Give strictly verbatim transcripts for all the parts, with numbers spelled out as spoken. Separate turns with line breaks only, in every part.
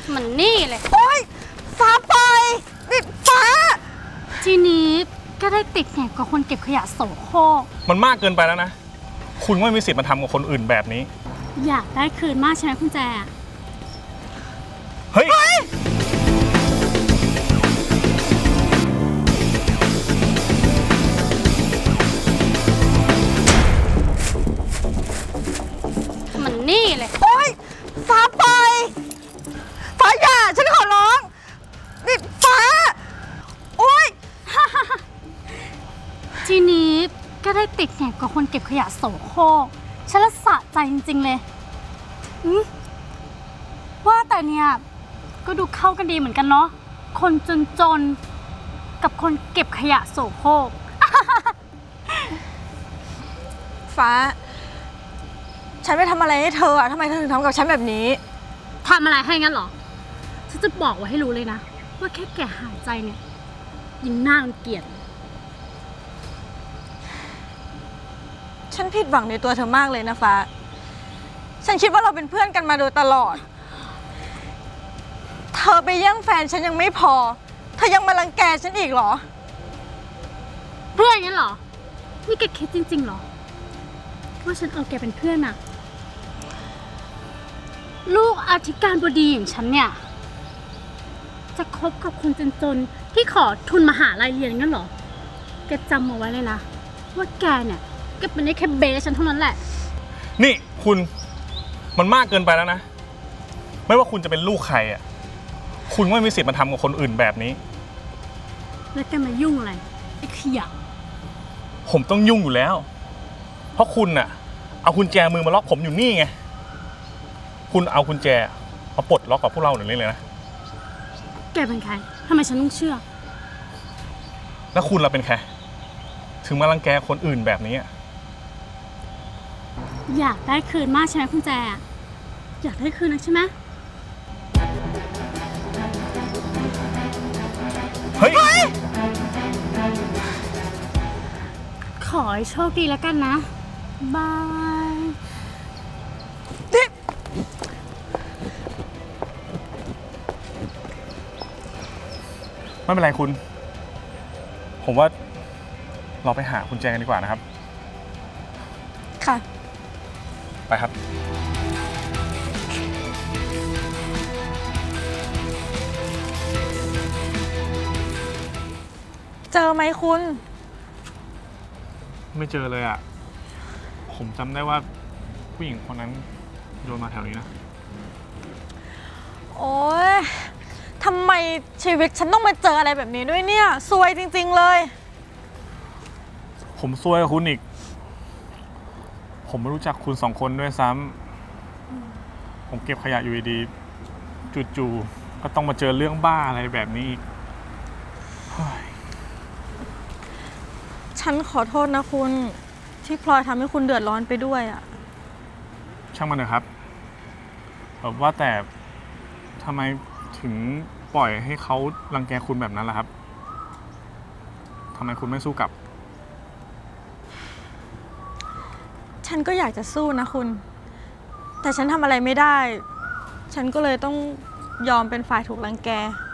มันนี่เลย
โอ๊ยฟ้าไปนี่ฟ้า
ทีนี้ก็ได้ติดแหนกกับคนเก็บขยะโสโครก
มันมากเกินไปแล้วนะคุณไม่มีสิทธิ์มาทำกับคนอื่นแบบนี้
อยากได้คืนมากใช่ไหมคุณแจ
เฮ้ย
มันนี่เลย
โอ๊ยฟ้าไปฟ้าอย่าฉันขอร้องนี่ฟ้าโอ๊ย
ทีนี้ก็ได้ติดแหนกกับคนเก็บขยะโสโครกฉันละสะใจจริงๆเลยว่าแต่เนี่ยก็ดูเข้ากันดีเหมือนกันเนาะคนจนๆกับคนเก็บขยะโสโครก
ฟ้าฉันไปทำอะไรให้เธออะทำไมเธอถึงทำกับฉันแบบนี้
ทำอะไรให้งั้นเหรอฉันจะบอกไว้ให้รู้เลยนะว่าแค่แกหายใจเนี่ยยิ่งน่ารังเกียจ
ฉันผิดหวังในตัวเธอมากเลยนะฟ้าฉันคิดว่าเราเป็นเพื่อนกันมาโดยตลอดเธอไปแย่งแฟนฉันยังไม่พอเธอยังมารังแกฉันอีกเหรอ
เพื่อนงั้นเหรอนี่แกคิดจริงๆเหรอว่าฉันเอาแกเป็นเพื่อนอะลูกอธิการบดีอย่างฉันเนี่ยจะคบกับคนจนๆที่ขอทุนมหาลัยเรียนงั้นเหรอแกจำเอาไว้เลยนะว่าแกเนี่ยก็เป็นได้แค่เบสฉันเท่านั้นแหละ
นี่คุณมันมากเกินไปแล้วนะไม่ว่าคุณจะเป็นลูกใครอ่ะคุณไม่มีสิทธิ์มาทำกับคนอื่นแบบนี้
แล้วแกมายุ่งอะไรไอ้ขยะ
ผมต้องยุ่งอยู่แล้วเพราะคุณน่ะเอากุญแจมือมาล็อกผมอยู่นี่ไงคุณเอากุญแจมาปลดล็อกกับพวกเราหน่อยเลยนะ
แกเป็นใครทำไมฉันต้องเชื่อ
แล้วคุณเราเป็นใครถึงมารังแกคนอื่นแบบนี้
อยากได้คืนมากใช่ไหมคุณแจอยากได้คืนนะใช่ไหม
เฮ้ย
ขอให้โชคดีแล้วกันนะบาย
ไม่เป็นไรคุณผมว่าเราไปหากุญแจกันดีกว่านะครับ
ค่ะ
ไปครับ
เจอไหมคุณ
ไม่เจอเลยอ่ะผมจำได้ว่าผู้หญิงคนนั้นโยนมาแถวนี้นะ
โอ๊ยทำไมชีวิตฉันต้องมาเจออะไรแบบนี้ด้วยเนี่ยซวยจริงๆเลย
ผมซวยกับคุณอีกผมไม่รู้จักคุณสองคนด้วยซ้ำผมเก็บขยะอยู่ดีๆจู่ๆก็ต้องมาเจอเรื่องบ้าอะไรแบบนี้อีก
ฉันขอโทษนะคุณที่พลอยทำให้คุณเดือดร้อนไปด้วยอ่ะ
ช่างมันเถอะครับแบบว่าแต่ทำไมถึงปล่อยให้เขารังแกคุณแบบนั้นล่ะครับทำไมคุณไม่สู้กลับ
ฉันก็อยากจะสู้นะคุณแต่ฉันทำอะไรไม่ได้ฉันก็เลยต้องยอมเป็นฝ่ายถูกรังแก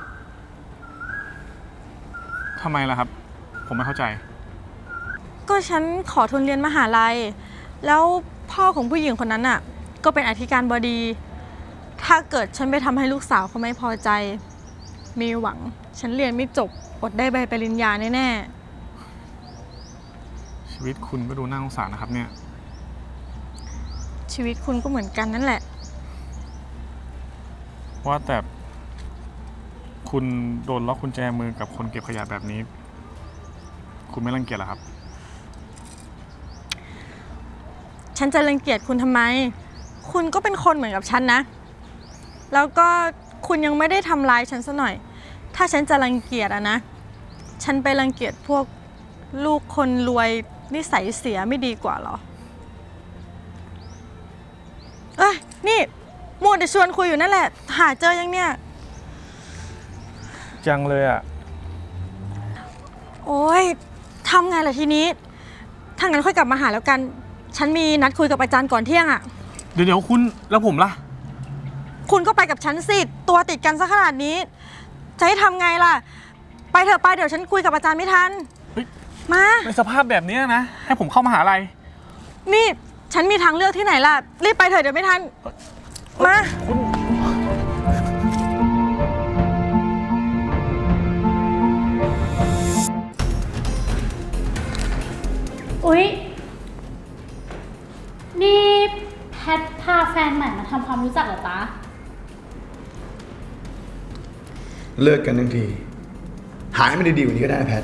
ทำไมล่ะครับผมไม่เข้าใจ
ก็ฉันขอทุนเรียนมหาลัยแล้วพ่อของผู้หญิงคนนั้นน่ะก็เป็นอธิการบดีถ้าเกิดฉันไปทำให้ลูกสาวเขาไม่พอใจมีหวังฉันเรียนไม่จบอดได้ใบปริญญาแน่
ๆชีวิตคุณก็ดูน่าสงสารนะครับเนี่ย
ชีวิตคุณก็เหมือนกันนั่นแหละ
ว่าแต่คุณโดนล็อกกุญแจมือกับคนเก็บขยะแบบนี้คุณไม่รังเกียจเหรอครับ
ฉันจะรังเกียจคุณทำไมคุณก็เป็นคนเหมือนกับฉันนะแล้วก็คุณยังไม่ได้ทำร้ายฉันซะหน่อยถ้าฉันจะรังเกียจอะนะฉันไปรังเกียจพวกลูกคนรวยนิสัยเสียไม่ดีกว่าหรอเอ้ยนี่มัวแต่ชวนคุยอยู่นั่นแหละหาเจอยังเนี่ย
จังเลยอะ
โอ๊ยทำไงล่ะทีนี้ถ้างั้นค่อยกลับมาหาแล้วกันฉันมีนัดคุยกับอาจารย์ก่อนเที่ยงอะ
เดี๋ยวเดี๋ยวคุณแล้วผมล่ะ
คุณก็ไปกับฉันสิ ตัวติดกันซะขนาดนี้ จะให้ทำไงล่ะ ไปเถอะไปเดี๋ยวฉันคุยกับอาจารย์ไม่ทัน
เฮ้ย
มา
ในสภาพแบบนี้นะ ให้ผมเข้ามหาลัย
นี่ฉันมีทางเลือกที่ไหนล่ะ รีบไปเถอะเดี๋ยวไม่ทัน มา
คุณ
อุ๊ย นี่แพทพาแฟนใหม่มาทำความรู้จักเหรอจ๊ะ
เลิกกันทั้งที หาให้มันดีๆกว่านี้ก็ได้นะแพท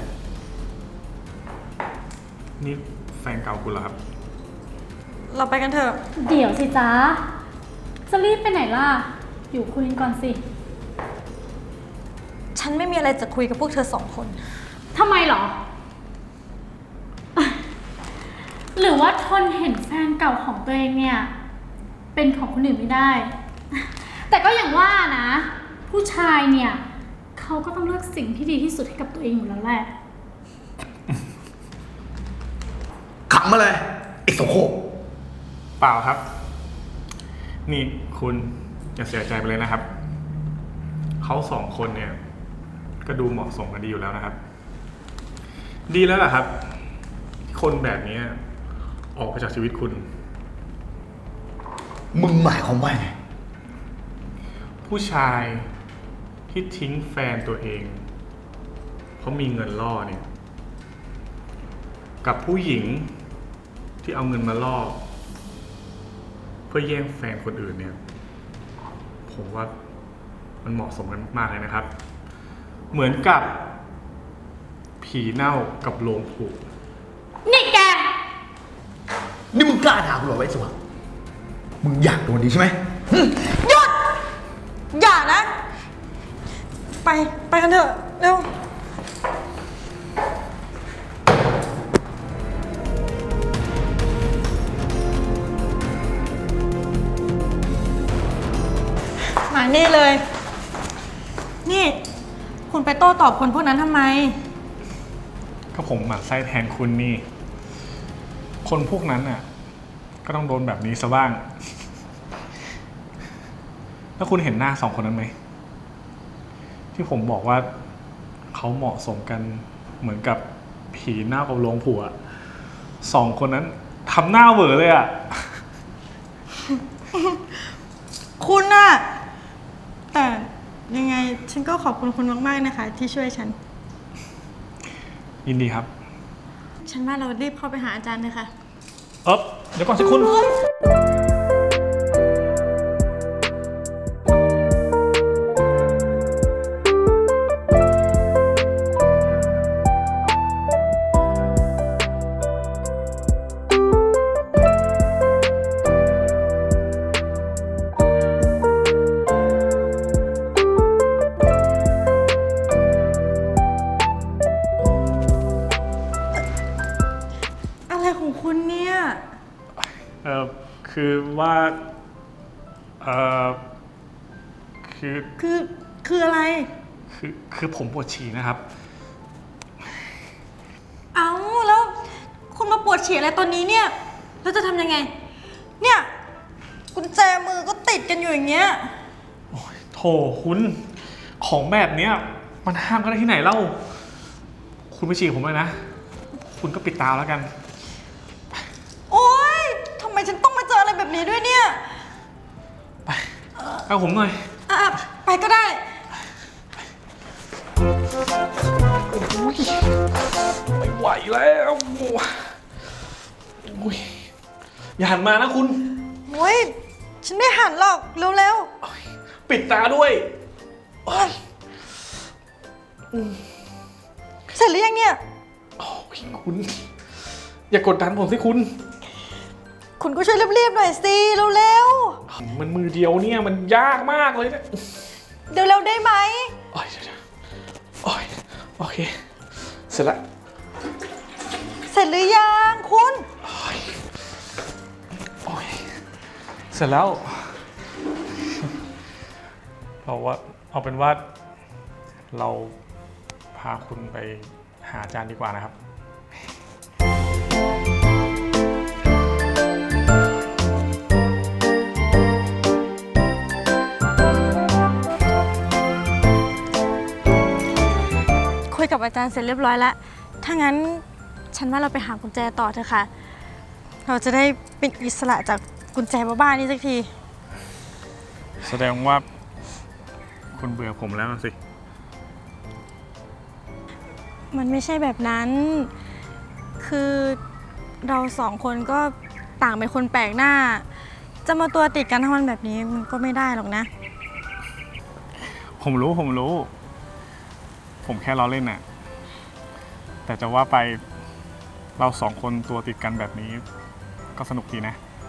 นี่แฟนเก่าคุณเหรอครับ
เราไปกันเถอะ
เดี๋ยวสิจ๊ะ จะรีบไปไหนล่ะ อยู่คุยกันก่อนสิ
ฉันไม่มีอะไรจะคุยกับพวกเธอสองคน
ทำไมเหรอ หรือว่าทนเห็นแฟนเก่าของตัวเองเนี่ย เป็นของคนอื่นไม่ได้ แต่ก็อย่างว่านะ ผู้ชายเนี่ย เขาก็ต้องเลือกสิ่งที่ดีที่สุดให้กับตัวเองอยู่แล้วแหละ
ขำมาเลยไอ้โสโครก
เปล่าครับ นี่คุณอย่าเสียใจไปเลยนะครับ เขาสองคนเนี่ย ก็ดูเหมาะสมกันดีอยู่แล้วนะครับ ดีแล้วล่ะครับที่คนแบบนี้ออกไปจากชีวิตคุณ
มึงหมายความว่าไง
ผู้ชายที่ทิ้งแฟนตัวเองเพราะมีเงินล่อเนี่ย กับผู้หญิงที่เอาเงินมาล่อเพื่อแย่งแฟนคนอื่นเนี่ย ผมว่ามันเหมาะสมกันมากเลยนะครับ เหมือนกับผีเน่ากับโลงผุ
นี่แก
นี่มึงกล้าด่ากูเหรอไอ้สวะมึงอยากโดนดีใช่ไหม
หยุด อย่านะ ไป ไปกันเถอะ เร็ว มานี่เลย นี่ คุณไปโต้ตอบคนพวกนั้นทำไม
ก็ผมหมั่นไส้แทนคุณนี่ คนพวกนั้นน่ะ ก็ต้องโดนแบบนี้ซะบ้าง แล้วคุณเห็นหน้าสองคนนั้นไหม ที่ผมบอกว่าเขาเหมาะสมกันเหมือนกับผีหน้ากับโลงผัวสองคนนั้นทำหน้าเหวอเลยอ่ะ
คุณน่ะ แต่ยังไงฉันก็ขอบคุณคุณมากๆนะคะ ที่ช่วยฉัน
ยินดีครับ
ฉันว่าเรารีบเข้าไปหาอาจารย์เลยค่ะ
เอ๊บเดี๋ยวก่อนสิคุณ
อะไรของคุณเนี่ย
เออคือว่า เออคือ
คือ คืออะไร
คือ คือผมปวดฉี่นะครับ
เอาแล้ว คุณมาปวดฉี่อะไรตอนนี้เนี่ย แล้วจะทำยังไง เนี่ย กุญแจมือก็ติดกันอยู่อย่างเงี้ย
โอ้ยโถคุณ ของแบบเนี้ย มันห้ามกันได้ที่ไหนเล่า คุณไปฉี่ผมเลยนะ คุณก็ปิดตาแล้วกัน
โอ๊ยทำไมฉันต้องมาเจออะไรแบบนี้ด้วยเนี่ย
ไปเอาผมหน่อย
อ่ะไปก็ได้
ไม่ไหวแล้วโอ้ยอย่าหันมานะคุณ
โอ๊ย ฉันไม่หันหรอก เร็ว
ปิดตาด้วยโอ๊ย
ๆ เสร็จหรือยังเนี่ย
โอ้ยคุณ อย่ากดดันผมสิคุณ
คุณก็ช่วยรีบๆหน่อยสิเร็ว
มันมือเดียวเนี่ยมันยากมากเลยเนี่ย
ๆ เร็วๆได้ไหม
โอ้ยเดี๋ยวๆโอ้ยโอเค เสร็จละ
เสร็จหรือยังคุณ
โอ้ยโอ้ยเสร็จแล้ว เราว่าเอาเป็นว่าเราพาคุณไปหาอาจารย์ดีกว่านะครับ
กับอาจารย์เสร็จเรียบร้อยแล้ว ถ้างั้นฉันว่าเราไปหากุญแจต่อเถอะค่ะ เราจะได้เป็นอิสระจากกุญแจบ้าๆนี้สักที
แสดงว่าคุณเบื่อผมแล้วสิ
มันไม่ใช่แบบนั้น คือเราสองคนก็ต่างเป็นคนแปลกหน้า จะมาตัวติดกันทั้งวันแบบนี้มันก็ไม่ได้หรอกนะ
ผมรู้ผมรู้ ผมแค่ล้อเล่นน่ะ แต่จะว่าไปเราสองคนตัวติดกันแบบนี้ก็สนุกดีนะ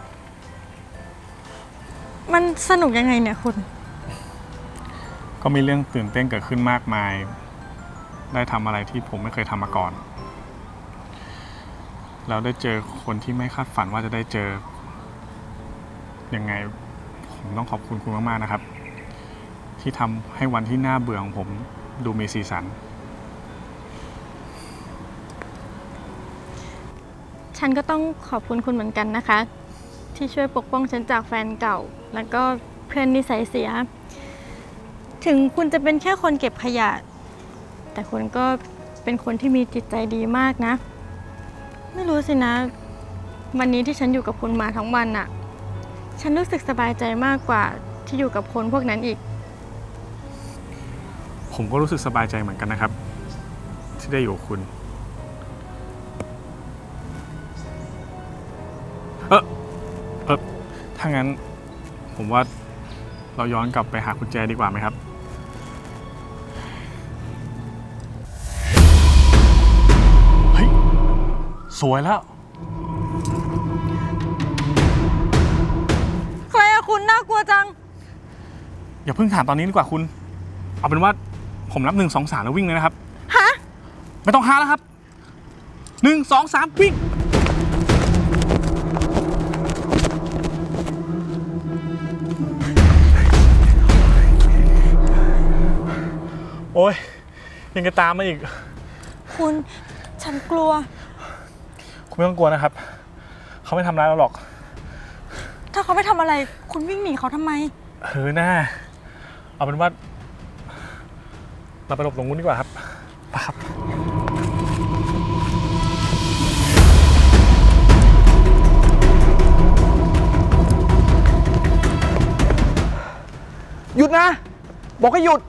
มันสนุกยังไงเนี่ยคุณ
ก็มีเรื่องตื่นเต้นเกิดขึ้นมากมาย ได้ทำอะไรที่ผมไม่เคยทำมาก่อน แล้วได้เจอคนที่ไม่คาดฝันว่าจะได้เจอ ยังไงผมต้องขอบคุณคุณมากๆนะครับ ที่ทำให้วันที่น่าเบื่อของผมดูมีสีสัน
ฉันก็ต้องขอบคุณคุณเหมือนกันนะคะ ที่ช่วยปกป้องฉันจากแฟนเก่า แล้วก็เพื่อนนิสัยเสีย ถึงคุณจะเป็นแค่คนเก็บขยะ แต่คุณก็เป็นคนที่มีจิตใจดีมากนะ ไม่รู้สินะ วันนี้ที่ฉันอยู่กับคุณมาทั้งวันน่ะ ฉันรู้สึกสบายใจมากกว่าที่อยู่กับคนพวกนั้นอีก
ผมก็รู้สึกสบายใจเหมือนกันนะครับ ที่ได้อยู่กับคุณ เออเออถ้างั้นผมว่าเราย้อนกลับไปหากุญแจดีกว่าไหมครับ เฮ้ย สวยแล้ว
ใครอะคุณน่ากลัวจัง
อย่าเพิ่งถามตอนนี้ดีกว่าคุณ เอาเป็นว่าผมนับหนึ่งสองสามแล้ววิ่งเลยนะครับ
ฮะ
ไม่ต้องหาแล้วครับหนึ่งสองสามวิ่ง โอ้ยยังจะตามมาอีก
คุณ ฉันกลัว
คุณไม่ต้องกลัวนะครับ เขาไม่ทำร้ายเราหรอก
ถ้าเขาไม่ทำอะไร คุณวิ่งหนีเขาทำไม
เออหน้า เอาเป็นว่า เราไปหลบตรงนู้นดีกว่าครับไปครับ
หยุดนะ บอกให้หยุด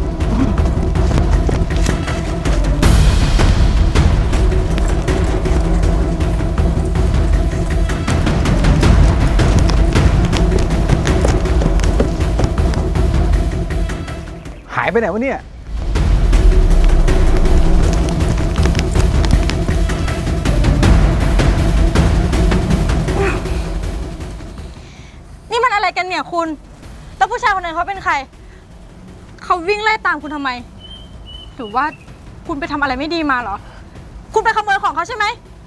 หายไปไหนวะเนี่ย
นี่มันอะไรกันเนี่ยคุณ แล้วผู้ชายคนนั้นเขาเป็นใคร เขาวิ่งไล่ตามคุณทำไม หรือว่าคุณไปทำอะไรไม่ดีมาเหรอ คุณไปขโมยของเขาใช่ไหม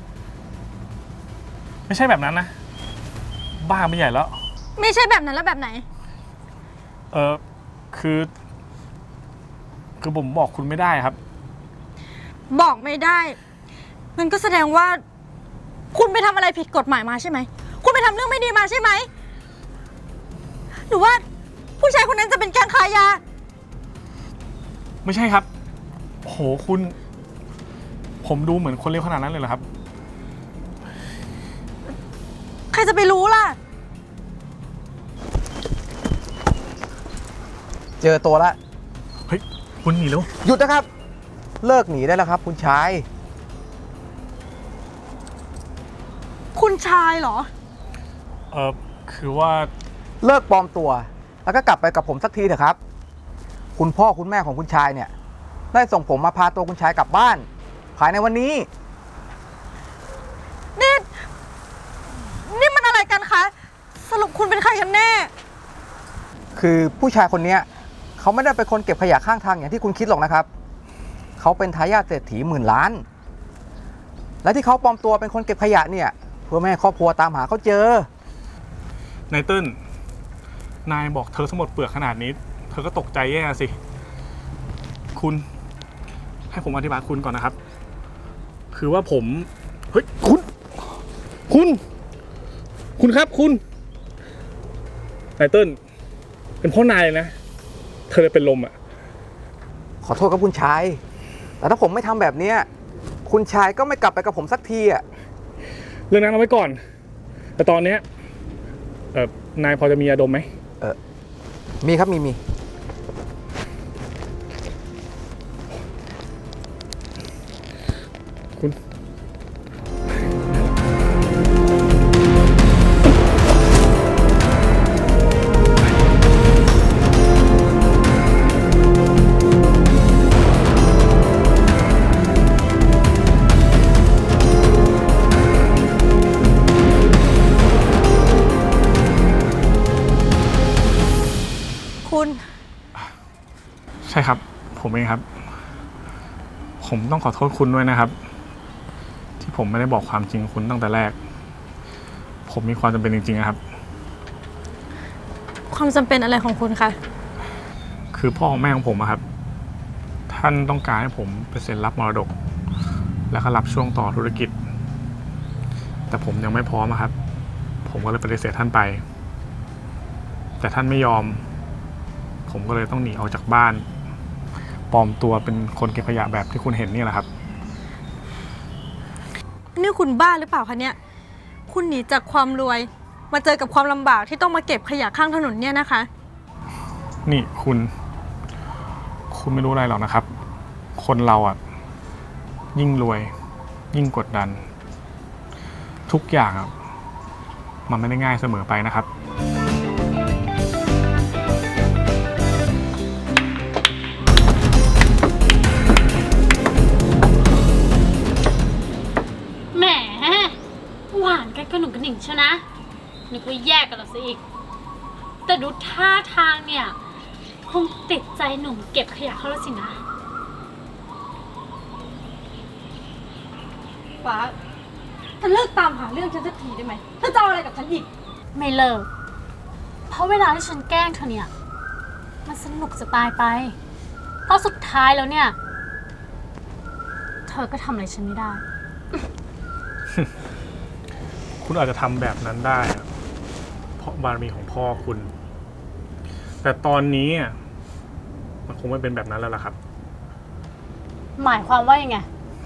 ไม่ใช่แบบนั้นนะ บ้าไม่ใหญ่แล้ว
ไม่ใช่แบบนั้นแล้วแบบไหน
เออคือ คือผมบอกคุณไม่ได้ครับ
บอกไม่ได้งั้นก็แสดงว่า คุณไปทำอะไรผิดกฎหมายมาใช่ไหม คุณไปทำเรื่องไม่ดีมาใช่ไหม หรือว่าผู้ชายคนนั้นจะเป็นแก๊งขายยา
ไม่ใช่ครับ โหคุณ ผมดูเหมือนคนเลวขนาดนั้นเลยเหรอครับ
ใครจะไปรู้ล่ะ
เจอตัวละ
เฮ้ย คุณหนีแล้ว
หยุดนะครับ เลิกหนีได้แล้วครับ คุณชาย
คุณชายเหรอ
เออคือว่า
เลิกปลอมตัว แล้วก็กลับไปกับผมสักทีเถอะครับ คุณพ่อคุณแม่ของคุณชายเนี่ย ได้ส่งผมมาพาตัวคุณชายกลับบ้าน ภายในวันนี้
นี่ นี่มันอะไรกันคะ สรุปคุณเป็นใครกันแน่
คือผู้ชายคนเนี้ยเขาไม่ได้เป็นคนเก็บขยะข้างทางอย่างที่คุณคิดหรอกนะครับ เขาเป็นทายาทเศรษฐีหมื่นล้าน และที่เขาปลอมตัวเป็นคนเก็บขยะเนี่ย เพื่อไม่ให้ครอบครัวตามหาเขาเจอ
นายเติ้ลนายบอกเธอทั้งหมดเปลือกขนาดนี้ เธอก็ตกใจแย่สิ คุณ ให้ผมอธิบายคุณก่อนนะครับ คือว่าผม เฮ้ย คุณ คุณ คุณครับคุณ นายเติ้ลเป็นเพ่อนายเลยนะ เธอเลยเป็นลมอ่ะ
ขอโทษครับคุณชาย ผแต่ถ้าผมไม่ทำแบบเนี้ยคุณชายก็ไม่กลับไปกับผมสักทีอ่ะ
เรื่องนั้นเอาไว้ก่อน แต่ตอนเนี้ยเออนายพอจะมียาดมไหม
เออมีครับมีมี
คุณ
คุณ
ใช่ครับ ผมเองครับ ผมต้องขอโทษคุณด้วยนะครับ ที่ผมไม่ได้บอกความจริงคุณตั้งแต่แรก ผมมีความจำเป็นจริงๆนะครับ
ความจำเป็นอะไรของคุณคะ
คือพ่อของแม่ของผมอะครับ ท่านต้องการให้ผมไปเซ็นรับมรดก แล้วก็รับช่วงต่อธุรกิจ แต่ผมยังไม่พร้อมอะครับ ผมก็เลยปฏิเสธท่านไป แต่ท่านไม่ยอม ผมก็เลยต้องหนีออกจากบ้านปลอมตัวเป็นคนเก็บขยะแบบที่คุณเห็นนี่แหละครับ
นี่คุณบ้าหรือเปล่าคะเนี่ย คุณหนีจากความรวย มาเจอกับความลำบากที่ต้องมาเก็บขยะข้างถนนเนี่ยนะคะ
นี่คุณ คุณไม่รู้อะไรหรอกนะครับ คนเราอ่ะ ยิ่งรวย ยิ่งกดดัน ทุกอย่างอ่ะ มันไม่ได้ง่ายเสมอไปนะครับ
แหมหวานกันกระหนุ่งกระหนิ่งใช่นะนึกว่าแยกกันแล้วซะอีก แต่ดูท่าทางเนี่ยคงติดใจหนุ่มเก็บขยะเขาแล้วสินะ
ฟ้าเธอเลิกตามหาเรื่องฉันสักทีได้ไหมเธอจะเอาอะไรกับฉันอีก
ไม่เลิก เพราะเวลาที่ฉันแกล้งเธอเนี่ย มันสนุกจะตายไป เพราะสุดท้ายแล้วเนี่ย เธอก็ทำอะไรฉันไม่ได้
คุณอาจจะทำแบบนั้นได้อะเพราะบารมีของพ่อคุณ แต่ตอนนี้อะมันคงไม่เป็นแบบนั้นแล้วล่ะครับ
หมายความว่ายังไง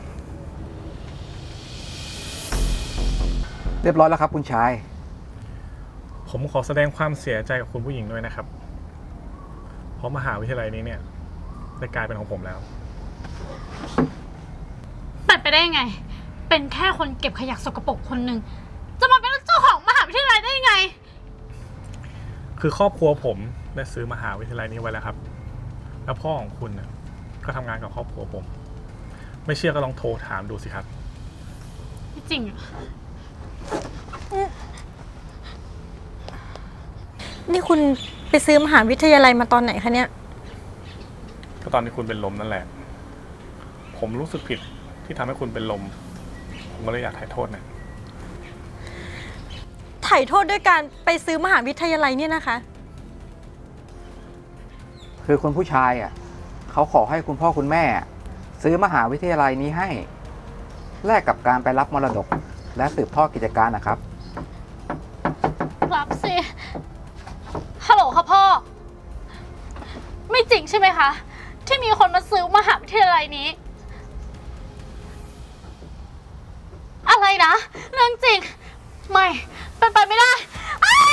เรียบร้อยแล้วครับคุณชาย
ผมขอแสดงความเสียใจกับคุณผู้หญิงด้วยนะครับ เพราะมหาวิทยาลัยนี้เนี่ยได้กลายเป็นของผมแล้ว
เป็นไปได้ยังไง เป็นแค่คนเก็บขยะสกปรกคนหนึ่ง จะมาเป็นเจ้าของมหาวิทยาลัยได้ยังไง
คือครอบครัวผมได้ซื้อมหาวิทยาลัยนี้ไว้แล้วครับ แล้วพ่อของคุณเนี่ยก็ทำงานกับครอบครัวผม ไม่เชื่อก็ลองโทรถามดูสิครับ
ไม่จริงเหรอ
นี่คุณไปซื้อมหาวิทยาลัยมาตอนไหนคะเนี่ย
ก็ตอนที่คุณเป็นลมนั่นแหละ ผมรู้สึกผิดที่ทำให้คุณเป็นลม ผมก็เลยอยากถ่ายโทษนะ
ไถ่โทษด้วยการไปซื้อมหาวิทยาลัยเนี่ยนะคะ
คือคุณผู้ชายอ่ะเขาขอให้คุณพ่อคุณแม่ ซื้อมหาวิทยาลัยนี้ให้ แลกกับการไปรับมรดก และสืบทอดกิจการนะครับ
รับสิ ฮัลโหลค่ะพ่อ ไม่จริงใช่ไหมคะ ที่มีคนมาซื้อมหาวิทยาลัยนี้ อะไรนะ เรื่องจริง ไม่ เป็นไปไม่ได้อ้า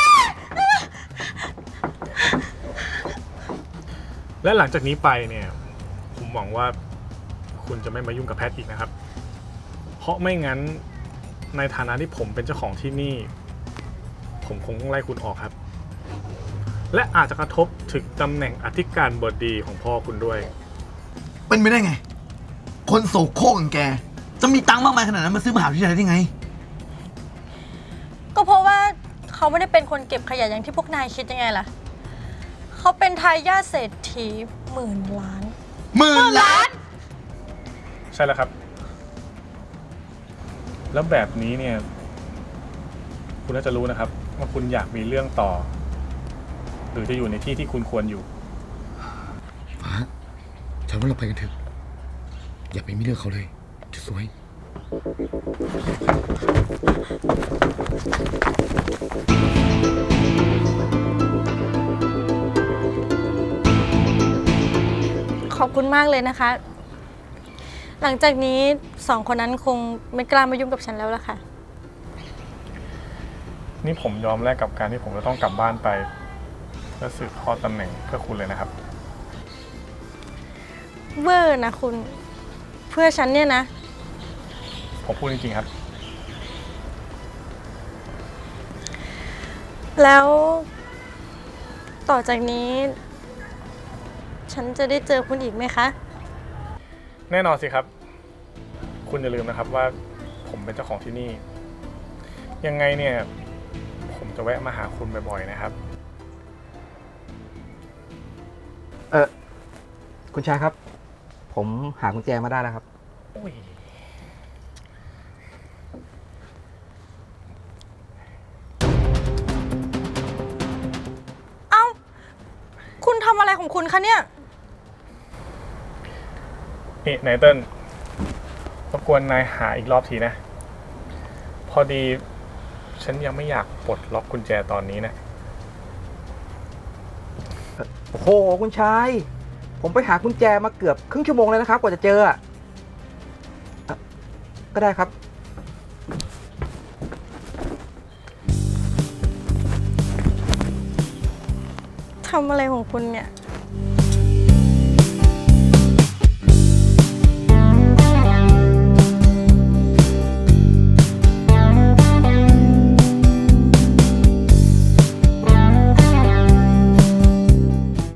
และหลังจากนี้ไปเนี่ย ผมหวังว่าคุณจะไม่มายุ่งกับแพทอีกนะครับ เพราะไม่งั้นในฐานะที่ผมเป็นเจ้าของที่นี่ ผมคงต้องไล่คุณออกครับ และอาจจะกระทบถึงตำแหน่งอธิการบดีของพ่อคุณด้วย
เป็นไปได้ไง คนโสโครกอย่างแก จะมีตังค์มากมายขนาดนั้นมาซื้อมหาวิทยาลัยได้ไง
ก็เพราะว่าเขาไม่ได้เป็นคนเก็บขยะอย่างที่พวกนายคิดยังไงล่ะ เขาเป็นทายาทเศรษฐีหมื่นล้าน
หมื่นล้าน
ใช่แล้วครับ แล้วแบบนี้เนี่ย คุณน่าจะรู้นะครับ ว่าคุณอยากมีเรื่องต่อ หรือจะอยู่ในที่ที่คุณควรอยู่
ฟ้า ฉันว่าเราไปกันเถอะ อย่าไปมีเรื่องเขาเลย จะสวย
ขอบคุณมากเลยนะคะหลังจากนี้สองคนนั้นคงไม่กล้ามายุ่งกับฉันแล้วล่ะค่ะ
นี่ผมยอมแลกกับการที่ผมจะต้องกลับบ้านไป เพื่อสืบทอดตำแหน่งเพื่อคุณเลยนะครับ
เวอร์นะคุณ เพื่อฉันเนี่ยนะ
ผมพูดจริงๆครับ
แล้วต่อจากนี้ ฉันจะได้เจอคุณอีกไหมคะ
แน่นอนสิครับ คุณอย่าลืมนะครับว่าผมเป็นเจ้าของที่นี่ ยังไงเนี่ย ผมจะแวะมาหาคุณบ่อยๆนะครับ
เออคุณชายครับ ผมหากุญแจมาได้แล้วครับ
เอ้า คุณทำอะไรของคุณคะเนี่ย
นี่นายเติ้ลรบกวนนายหาอีกรอบทีนะ พอดี ฉันยังไม่อยากปลดล็อกกุญแจตอนนี้นะ
โอ้โห คุณชาย ผมไปหากุญแจมาเกือบครึ่งชั่วโมงเลยนะครับ กว่าจะเจออะเอ่อก็ได้ครับ
ทำอะไรของคุณเนี่ย